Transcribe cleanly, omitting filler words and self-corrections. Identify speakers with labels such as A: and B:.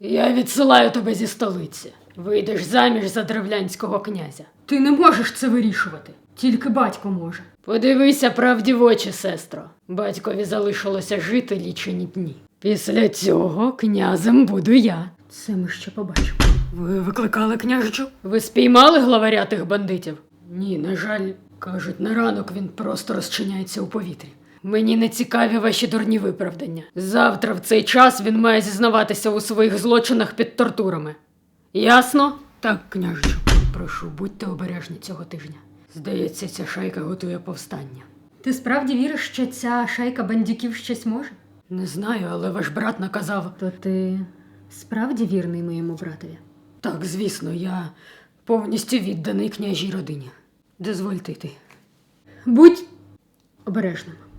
A: Я відсилаю тебе зі столиці. Вийдеш заміж за древлянського князя. Ти не можеш це вирішувати. Тільки батько може. Подивися правді в очі, сестро. Батькові залишилося жити лічені дні. Після цього князем буду я. Це ми ще побачимо. Ви викликали княжичу? Ви спіймали главаря тих бандитів? Ні, на жаль, кажуть, на ранок він просто розчиняється у повітрі. Мені не цікаві ваші дурні виправдання. Завтра в цей час він має зізнаватися у своїх злочинах під тортурами. Ясно? Так, княжичу. Прошу, будьте обережні цього тижня. Здається, ця шайка готує повстання. Ти справді віриш, що ця шайка бандюків щось може? Не знаю, але ваш брат наказав. То ти справді вірний моєму братові? Так, звісно, я повністю відданий княжій родині. Дозвольте йти. Будь обережним.